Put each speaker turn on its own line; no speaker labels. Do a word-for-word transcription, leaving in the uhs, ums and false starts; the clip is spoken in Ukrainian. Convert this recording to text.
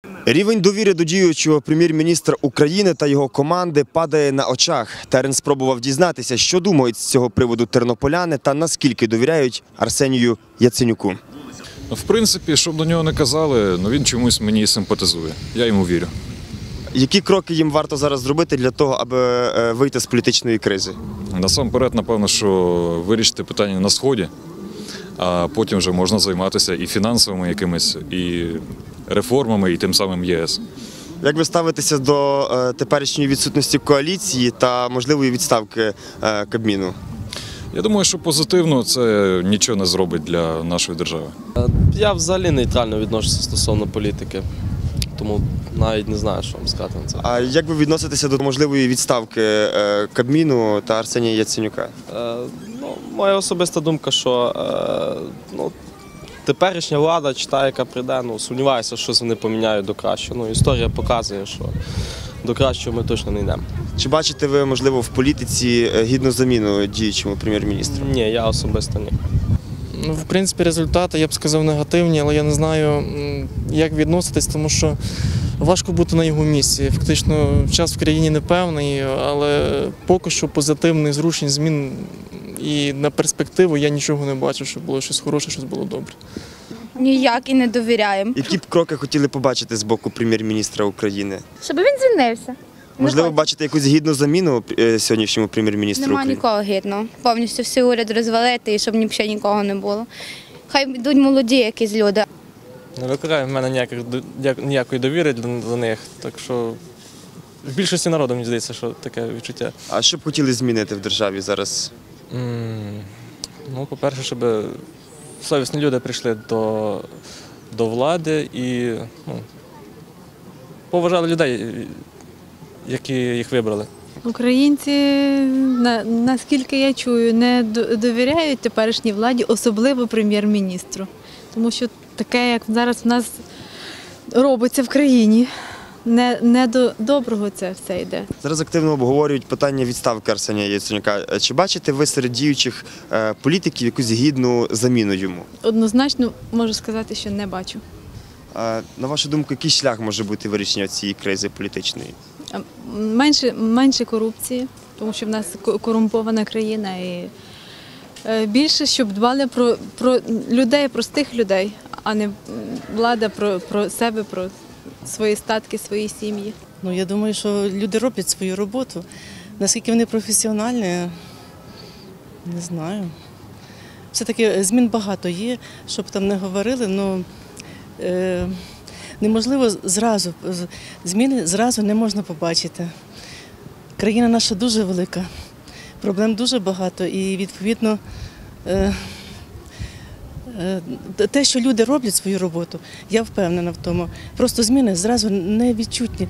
Рівень довіри до діючого прем'єр-міністра України та його команди падає на очах. Терен спробував дізнатися, що думають з цього приводу тернополяни та наскільки довіряють Арсенію Яценюку.
В принципі, щоб до нього не казали, ну він чомусь мені симпатизує. Я йому вірю.
Які кроки їм варто зараз зробити для того, аби вийти з політичної кризи?
Насамперед, напевно, що вирішити питання на Сході, а потім вже можна займатися і фінансовими якимись, і реформами, і тим самим ЄС.
Як ви ставитеся до е, теперішньої відсутності коаліції та можливої відставки е, Кабміну?
Я думаю, що позитивно це нічого не зробить для нашої держави.
Я взагалі нейтрально відношуся стосовно політики, тому навіть не знаю, що вам сказати на це.
А як ви відноситеся до можливої відставки е, Кабміну та Арсенія Яценюка?
Е, ну, моя особиста думка, що е, ну, теперішня влада, чи та, яка прийде, ну, сумніваюся, що вони поміняють до кращого. Ну, історія показує, що до кращого ми точно не йдемо.
Чи бачите ви, можливо, в політиці гідну заміну діючому прем'єр-міністру?
Ні, я особисто ні.
Ну, в принципі, результати, я б сказав, негативні, але я не знаю, як відноситись, тому що важко бути на його місці. Фактично, час в країні непевний, але поки що позитивних зрушень, змін і на перспективу я нічого не бачу, щоб було щось хороше, щось було добре.
Ніяк і не довіряємо.
Які б кроки хотіли побачити з боку прем'єр-міністра України?
Щоб він звільнився.
Можливо, бачите якусь гідну заміну е, сьогоднішньому прем'єр-міністру
Нема
України?
нікого гідного. Повністю всі уряд розвалити і щоб взагалі нікого не було. Хай йдуть молоді якісь люди.
Не викликає в мене ніяких, ніякої довіри до них, так що в більшості народу, мені здається, що таке відчуття.
А що б хотіли змінити в державі зараз?
Mm, ну, по-перше, щоб совісні люди прийшли до, до влади і ну, поважали людей, які їх вибрали.
Українці, на, наскільки я чую, не довіряють теперішній владі, особливо прем'єр-міністру. Тому що таке, як зараз в нас робиться в країні, не, не до доброго це все йде.
Зараз активно обговорюють питання відставки Арсенія Яценюка. Чи бачите ви серед діючих е, політиків якусь гідну заміну йому?
Однозначно можу сказати, що не бачу.
А, на вашу думку, який шлях може бути вирішення цієї кризи політичної?
Менше, менше корупції, тому що в нас корумпована країна. І більше, щоб дбали про, про людей, простих людей, а не влада про, про себе, про свої статки, свої сім'ї.
Ну, я думаю, що люди роблять свою роботу. Наскільки вони професіональні, не знаю. Все-таки змін багато є, щоб там не говорили, але е, неможливо зразу, зміни зразу не можна побачити. Країна наша дуже велика, проблем дуже багато і, відповідно, е, е, те, що люди роблять свою роботу, я впевнена в тому. Просто зміни зразу не відчутні.